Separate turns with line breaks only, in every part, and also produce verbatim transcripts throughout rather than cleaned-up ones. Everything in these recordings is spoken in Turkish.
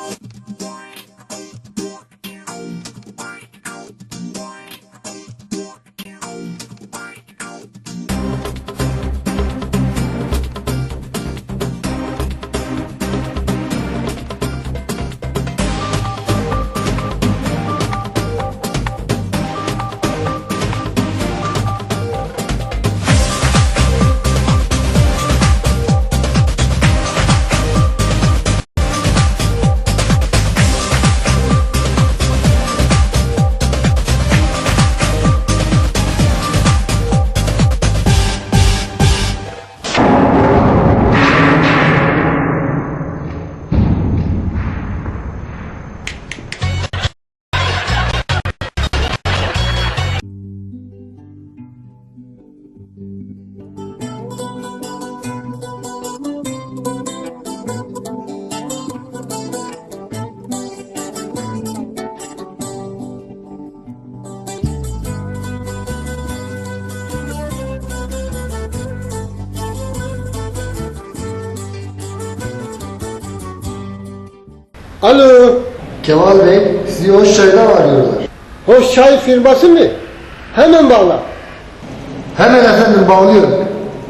Alo.
Kemal Bey, sizi Hoş Çay'dan arıyorlar.
Hoş Çay firması mı? Hemen bağla.
Hemen efendim, bağlıyorum.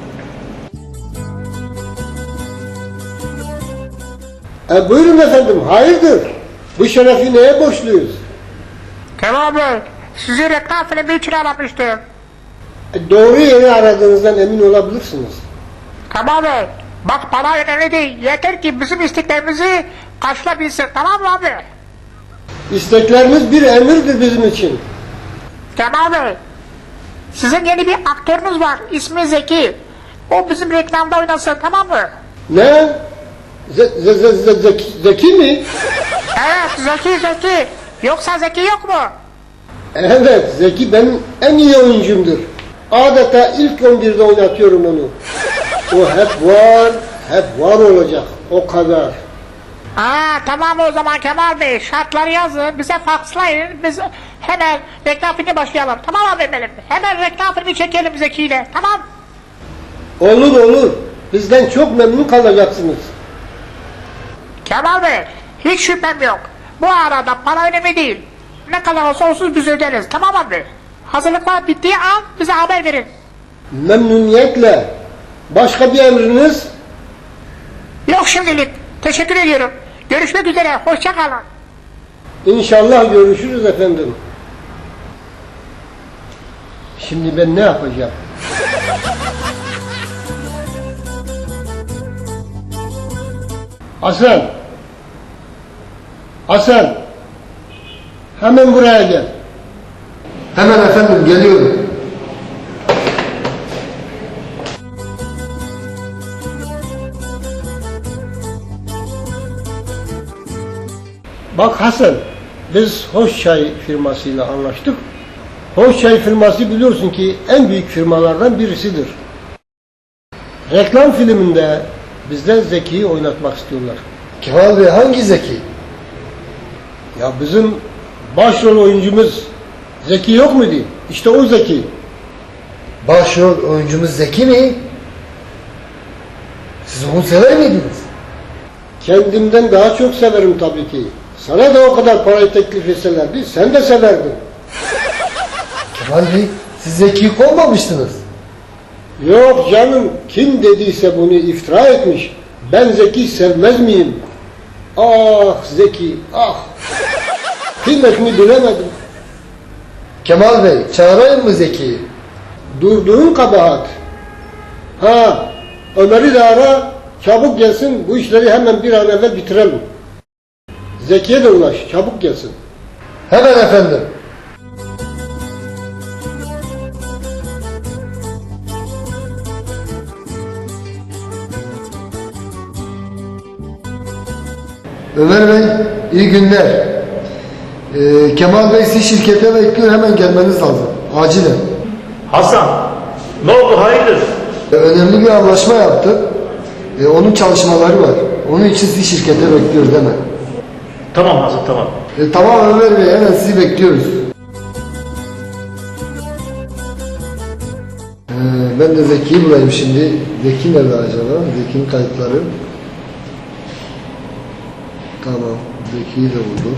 E, buyurun efendim, hayırdır? Bu şerefi neye borçluyuz?
Kemal Bey, sizi reklam filmi için aramıştım.
E, doğru yeri aradığınızdan emin olabilirsiniz.
Kemal Bey, bak para önemli değil. Yeter ki bizim isteklerimizi karşılayabilsin, tamam mı abi?
İstekleriniz bir emirdir bizim için.
Kemal Bey, sizin yeni bir aktörünüz var, ismi Zeki. O bizim reklamda oynasın, tamam mı?
Ne? Ze ze ze ze zeki, zeki mi?
Evet, Zeki Zeki. Yoksa Zeki yok mu?
Evet, Zeki benim en iyi oyuncumdur. Adeta ilk on birde oynatıyorum onu. O hep var, hep var olacak, o kadar.
Aa, tamam o zaman Kemal Bey, şartları yazın, bize fakslayın, biz hemen reklam filmi başlayalım. Tamam abi benim, hemen reklam filmi çekelim Zeki ile, tamam?
Olur olur, bizden çok memnun kalacaksınız.
Kemal Bey, hiç şüphem yok. Bu arada para önemli değil. Ne kadar olsa olsun biz öderiz, tamam abi? Hazırlıklar bittiği an bize haber verin.
Memnuniyetle. Başka bir emriniz?
Yok şimdilik, teşekkür ediyorum. Görüşmek üzere, hoşça kalın.
İnşallah görüşürüz efendim. Şimdi ben ne yapacağım? Hasan! Hasan! Hemen buraya gel.
Hemen efendim, geliyorum.
Bak Hasan, biz Hoş Çay firmasıyla anlaştık. Hoş Çay firması biliyorsun ki en büyük firmalardan birisidir. Reklam filminde bizden Zeki'yi oynatmak istiyorlar.
Kemal Bey, hangi Zeki?
Ya bizim başrol oyuncumuz Zeki yok muydu? İşte o Zeki.
Başrol oyuncumuz Zeki mi? Siz onu sever miydiniz?
Kendimden daha çok severim tabii ki. Sana da o kadar parayı teklif etselerdi sen de severdin.
Kemal Bey, siz Zeki'yi kovmamıştınız.
Yok canım, kim dediyse bunu iftira etmiş. Ben Zeki sevmez miyim? Ah Zeki, ah! Kıymetini bilemedim.
Kemal Bey, çağırayım mı Zeki'yi?
Durduğun kabahat. Ha, Ömer'i de ara, çabuk gelsin, bu işleri hemen bir an evvel bitirelim. Zeki'ye de ulaş, çabuk gelsin.
Hemen efendim. Ömer Bey, iyi günler. Ee, Kemal Bey sizi şirkete bekliyor, hemen gelmeniz lazım. Acilen.
Hasan, ne oldu hayırdır?
Ee, önemli bir anlaşma yaptık. Ee, onun çalışmaları var. Onun için sizi şirkete bekliyoruz hemen.
Tamam Hasan, tamam.
Ee, tamam Ömer Bey, hemen sizi bekliyoruz. Ee, ben de Zeki'yi bulayım şimdi. Zeki nerede acaba? Zeki'nin kayıtları. Tamam. Zeki'yi de buldum.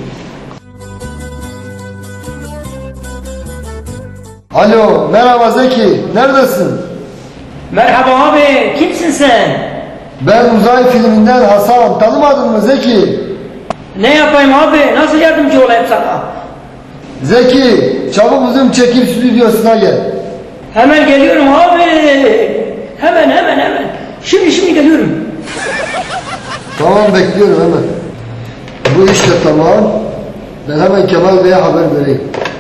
Alo, merhaba Zeki. Neredesin?
Merhaba abi, kimsin sen?
Ben uzay filminden Hasan. Tanımadın mı Zeki?
Ne yapayım abi, nasıl yardımcı olayım sana?
Zeki, çabuk bizim çekim stüdyosuna gel.
Hemen geliyorum abi. Hemen hemen hemen. Şimdi şimdi geliyorum.
Tamam, bekliyorum hemen. Bu iş de tamam. Ben hemen Kemal Bey'e haber vereyim.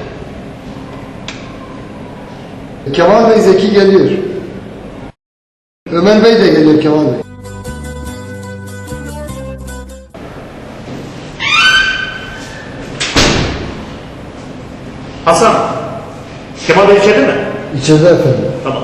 Kemal Bey, Zeki geliyor. Ömer Bey de geliyor Kemal Bey.
Hasan, Kemal Bey içeride mi?
İçeride efendim.
Tamam.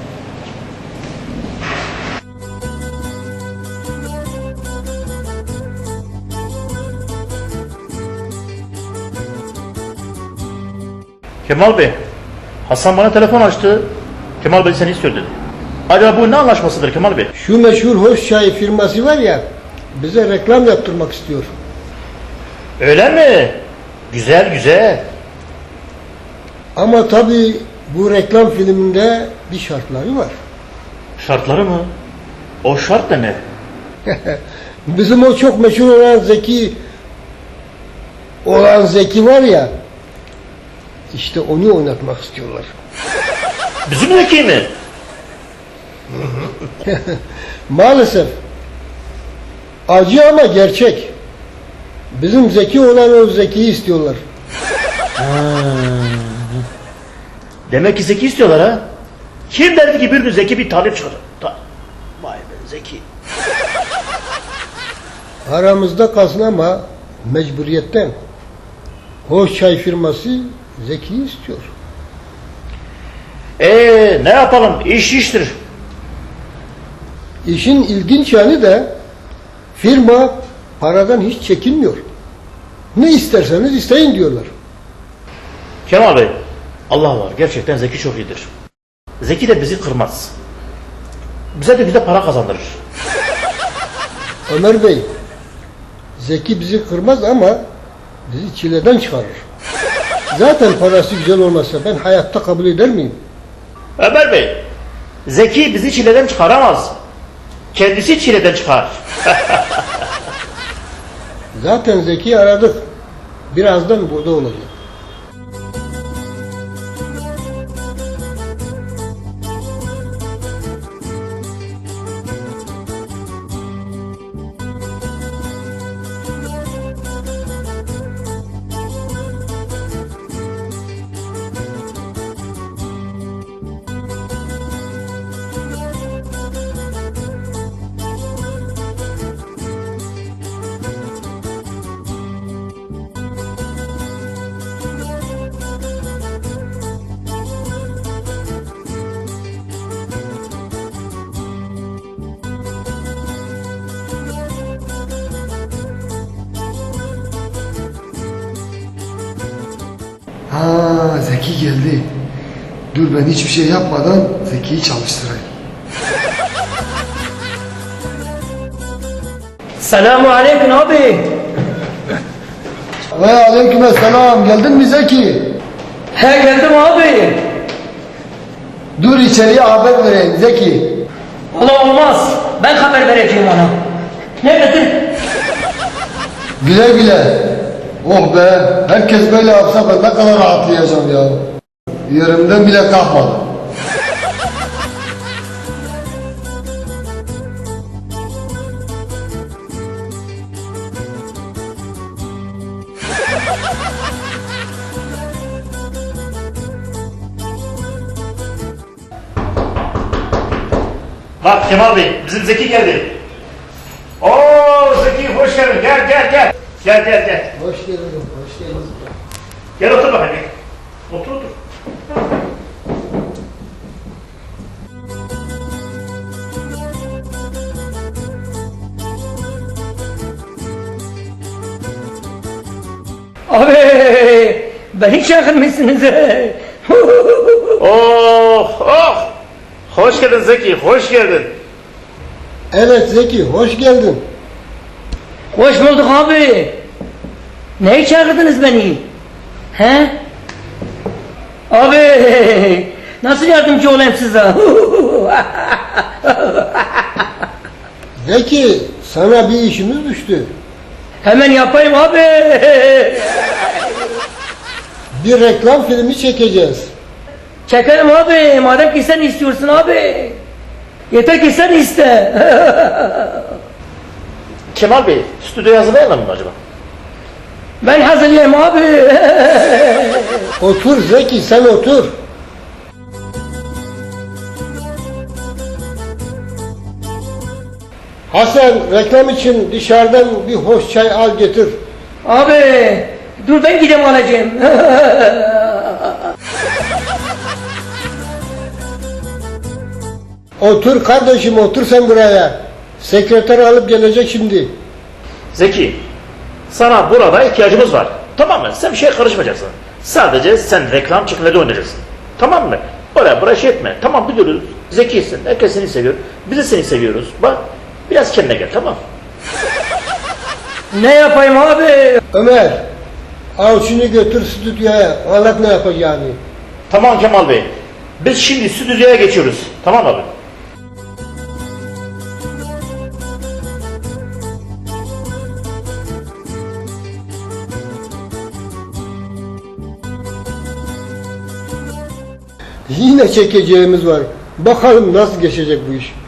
Kemal Bey, Hasan bana telefon açtı. Kemal Bey seni istiyor dedi. Acaba bu ne anlaşmasıdır Kemal Bey?
Şu meşhur Hoş Çay firması var ya, bize reklam yaptırmak istiyor.
Öyle mi? Güzel güzel.
Ama tabii bu reklam filminde bir şartları var.
Şartları mı? O şart da ne?
Bizim o çok meşhur olan Zeki olan Zeki var ya, işte onu oynatmak istiyorlar.
Bizim Zeki mi?
Maalesef. Acı ama gerçek. Bizim Zeki olan o Zeki'yi istiyorlar.
Demek ki Zeki istiyorlar ha? Kim derdi ki bir gün Zeki bir talip çıkacak? Ta Vay be Zeki.
Aramızda kalsın ama mecburiyetten. Hoş Çay firması Zeki'yi istiyor.
Eee ne yapalım? İş iştir.
İşin ilginç yanı da firma paradan hiç çekinmiyor. Ne isterseniz isteyin diyorlar.
Kemal Bey, Allah var. Gerçekten Zeki çok iyidir. Zeki de bizi kırmaz. Bize de güzel para kazandırır.
Ömer Bey, Zeki bizi kırmaz ama bizi çileden çıkarır. Zaten parası güzel olmasa ben hayatta kabul eder miyim?
Ömer Bey, Zeki bizi çileden çıkaramaz. Kendisi çileden çıkar.
Zaten Zeki'yi aradık. Birazdan burada olacak.
Ha, Zeki geldi. Dur, ben hiçbir şey yapmadan Zeki'yi çalıştırayım.
Selamun aleyküm abi.
Ve aleykümselam. Geldin mi Zeki?
He geldim abi.
Dur, içeriye haber vereyim Zeki.
Ola olmaz. Ben haber vereceğim ona. Neredesin?
Güle güle. Oh be, herkes böyle yapsa ben ne kadar rahatlayacağım ya. Yerimden bile kalkmadım.
Bak Kemal Bey, bizim Zeki geldi. Oo Zeki hoş geldin. Gel gel gel. Gel gel gel.
Hoş geldin, hoş geldin.
Gel otur bakayım. Otur otur.
Abi beni çağırmışsınız.
Oh oh. Hoş geldin Zeki, hoş geldin.
Evet Zeki, hoş geldin.
Hoş bulduk abi. Ne çağırdınız beni? He? Abi nasıl yardımcı olayım size?
Zeki, sana bir işimiz düştü.
Hemen yapayım abi.
Bir reklam filmi çekeceğiz.
Çekelim abi. Madem ki sen istiyorsun abi. Yeter ki sen iste.
Kemal Bey, stüdyoya hazırlayalım mı acaba?
Ben hazırlayayım abi.
Otur Zeki, sen otur. Hasan, reklam için dışarıdan bir hoş çay al getir.
Abi dur ben gideyim alacağım.
Otur kardeşim, otur sen buraya. Sekreter alıp gelecek şimdi.
Zeki, sana burada ihtiyacımız var. Tamam mı? Sen bir şeye karışmayacaksın. Sadece sen reklam çekimleri oynayacaksın. Tamam mı? Oraya buraya şey etme. Tamam biliyoruz. Zekisin. Herkes seni seviyor. Biz de seni seviyoruz. Bak biraz kendine gel, tamam.
Ne yapayım abi?
Ömer, al şunu götür stüdyoya. Anlat ne yapacağını.
Tamam Kemal Bey. Biz şimdi stüdyoya geçiyoruz. Tamam abi.
Yine çekeceğimiz var. Bakalım nasıl geçecek bu iş.